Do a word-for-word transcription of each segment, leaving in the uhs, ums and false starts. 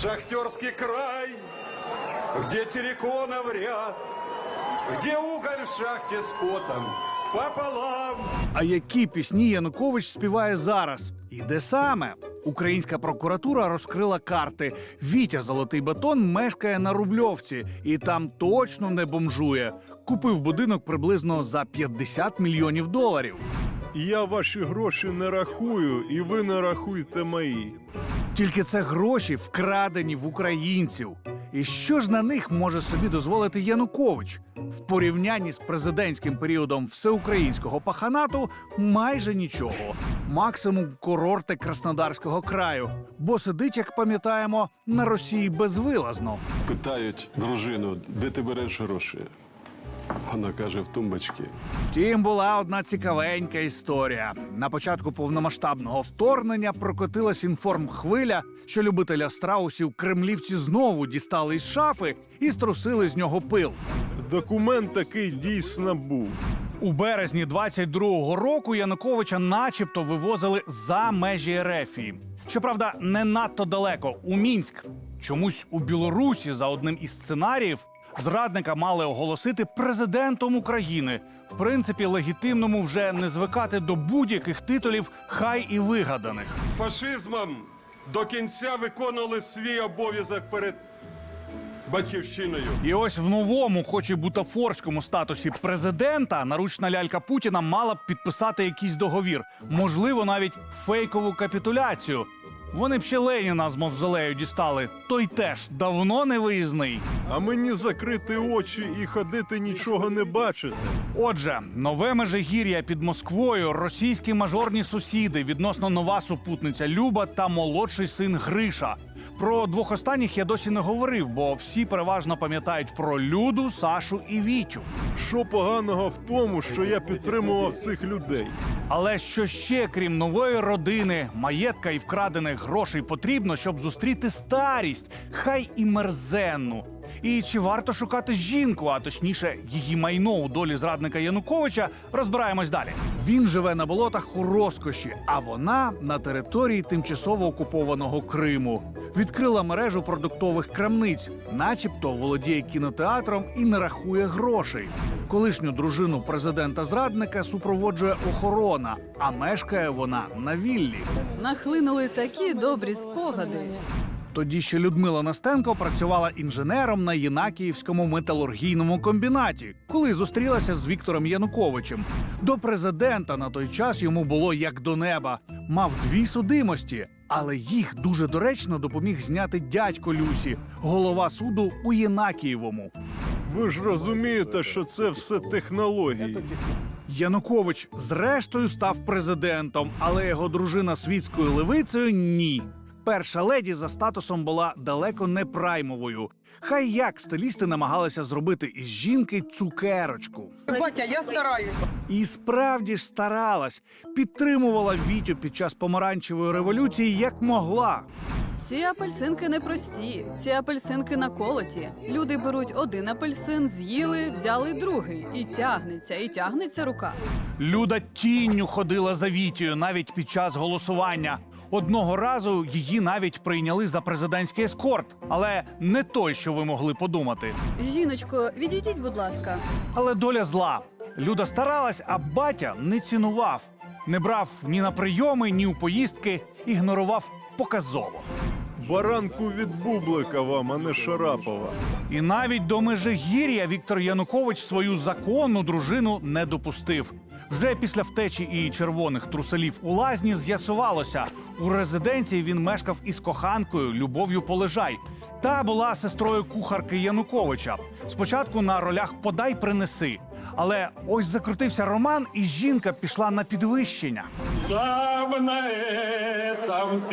Шахтерский край, где терриконов ряд, где уголь в шахте с потом пополам. А які пісні Янукович співає зараз? І де саме? Українська прокуратура розкрила карти. Вітя Золотий Батон мешкає на Рубльовці і там точно не бомжує. Купив будинок приблизно за п'ятдесят мільйонів доларів. Я ваші гроші не рахую, і ви не рахуйте мої. Тільки це гроші вкрадені в українців. І що ж на них може собі дозволити Янукович? В порівнянні з президентським періодом всеукраїнського паханату майже нічого. Максимум курорти Краснодарського краю. Бо сидить, як пам'ятаємо, на Росії безвилазно. Питають дружину, де ти береш гроші? Вона каже, в тумбочці. Втім, була одна цікавенька історія. На початку повномасштабного вторгнення прокотилась інформхвиля, що любителя страусів кремлівці знову дістали із шафи і струсили з нього пил. Документ такий дійсно був. У березні двадцять другого року Януковича начебто вивозили за межі Ерефії. Щоправда, не надто далеко, у Мінськ. Чомусь у Білорусі за одним із сценаріїв зрадника мали оголосити президентом України. В принципі, легітимному вже не звикати до будь-яких титулів, хай і вигаданих. Фашизмом до кінця виконували свій обов'язок перед батьківщиною. І ось в новому, хоч і бутафорському статусі президента, наручна лялька Путіна мала б підписати якийсь договір. Можливо, навіть фейкову капітуляцію. Вони б ще Леніна з мавзолею дістали. Той теж давно не виїзний. А мені закрити очі і ходити нічого не бачити. Отже, нове Межигір'я під Москвою, російські мажорні сусіди, відносно нова супутниця Люба та молодший син Гриша. Про двох останніх я досі не говорив, бо всі переважно пам'ятають про Люду, Сашу і Вітю. Що поганого в тому, що я підтримував цих людей? Але що ще, крім нової родини, маєтка і вкрадених грошей потрібно, щоб зустріти старість, хай і мерзенну? І чи варто шукати жінку, а точніше її майно у долі зрадника Януковича, розбираємось далі. Він живе на болотах у розкоші, а вона на території тимчасово окупованого Криму. Відкрила мережу продуктових крамниць, начебто володіє кінотеатром і не рахує грошей. Колишню дружину президента-зрадника супроводжує охорона, а мешкає вона на віллі. Нахлинули такі добрі спогади. Тоді ще Людмила Настенко працювала інженером на Єнакіївському металургійному комбінаті, коли зустрілася з Віктором Януковичем. До президента на той час йому було як до неба. Мав дві судимості, але їх дуже доречно допоміг зняти дядько Люсі, голова суду у Єнакієвому. Ви ж розумієте, що це все технології. Янукович зрештою став президентом, але його дружина світською левицею – ні. Перша леді за статусом була далеко не праймовою. Хай як стилісти намагалися зробити із жінки цукерочку. Батя, я стараюсь. І справді ж старалась. Підтримувала Вітю під час помаранчевої революції як могла. Ці апельсинки непрості, ці апельсинки наколоті. Люди беруть один апельсин, з'їли, взяли другий. І тягнеться, і тягнеться рука. Люда тінню ходила за Вітєю навіть під час голосування. Одного разу її навіть прийняли за президентський ескорт. Але не той, що ви могли подумати. Жіночко, відійдіть, будь ласка. Але доля зла. Люда старалась, а батя не цінував. Не брав ні на прийоми, ні у поїздки, ігнорував показово. Баранку від бублика вам, а не Шарапова. І навіть до Межигір'я Віктор Янукович свою законну дружину не допустив. Вже після втечі і червоних труселів у лазні з'ясувалося, у резиденції він мешкав із коханкою Любов'ю Полежай. Та була сестрою кухарки Януковича. Спочатку на ролях «Подай, принеси». Але ось закрутився роман, і жінка пішла на підвищення. Там на этом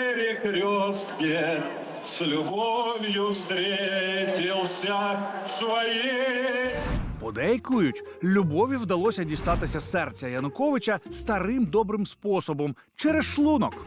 перекрестке с любовью встретился своей. Подейкують, Любові вдалося дістатися серця Януковича старим добрим способом – через шлунок.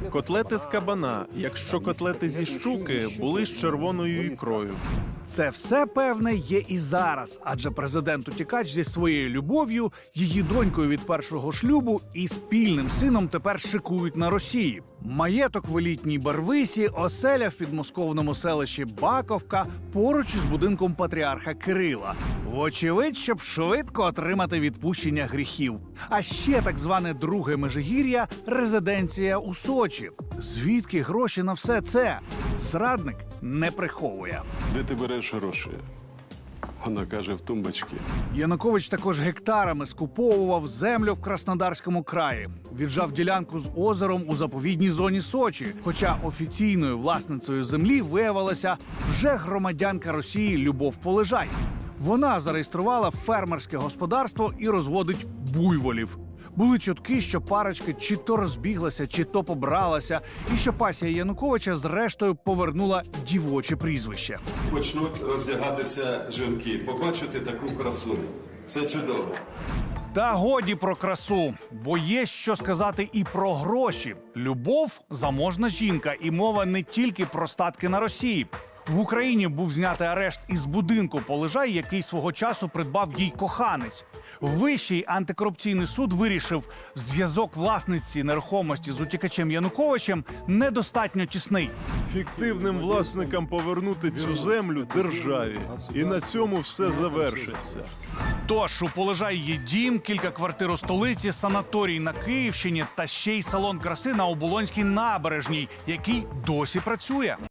Котлети з кабана, якщо котлети зі щуки, були з червоною ікрою. Це все, певне, є і зараз, адже президент-утікач зі своєю любов'ю, її донькою від першого шлюбу і спільним сином тепер шикують на Росії. Маєток в елітній Барвисі, оселя в підмосковному селищі Баковка поруч із будинком патріарха Кирила. Вочевидь, щоб швидко отримати відпущення гріхів. А ще так зване друге Межигір'я – резиденція у Сочі. Звідки гроші на все це? Зрадник не приховує. Де ти береш гроші? Вона каже, в тумбочці. Янукович також гектарами скуповував землю в Краснодарському краї. Віджав ділянку з озером у заповідній зоні Сочі. Хоча офіційною власницею землі виявилася вже громадянка Росії Любов Полежай. Вона зареєструвала фермерське господарство і розводить буйволів. Були чутки, що парочка чи то розбіглася, чи то побралася, і що пасія Януковича зрештою повернула дівоче прізвище. Почнуть роздягатися жінки, побачити таку красу. Це чудово. Та годі про красу, бо є що сказати і про гроші. Любов – заможна жінка, і мова не тільки про статки на Росії. В Україні був знятий арешт із будинку Полежай, який свого часу придбав їй коханець. Вищий антикорупційний суд вирішив, зв'язок власниці нерухомості з утікачем Януковичем недостатньо тісний. Фіктивним власникам повернути цю землю державі. І на цьому все завершиться. Тож у Полежай є дім, кілька квартир у столиці, санаторій на Київщині та ще й салон краси на Оболонській набережній, який досі працює.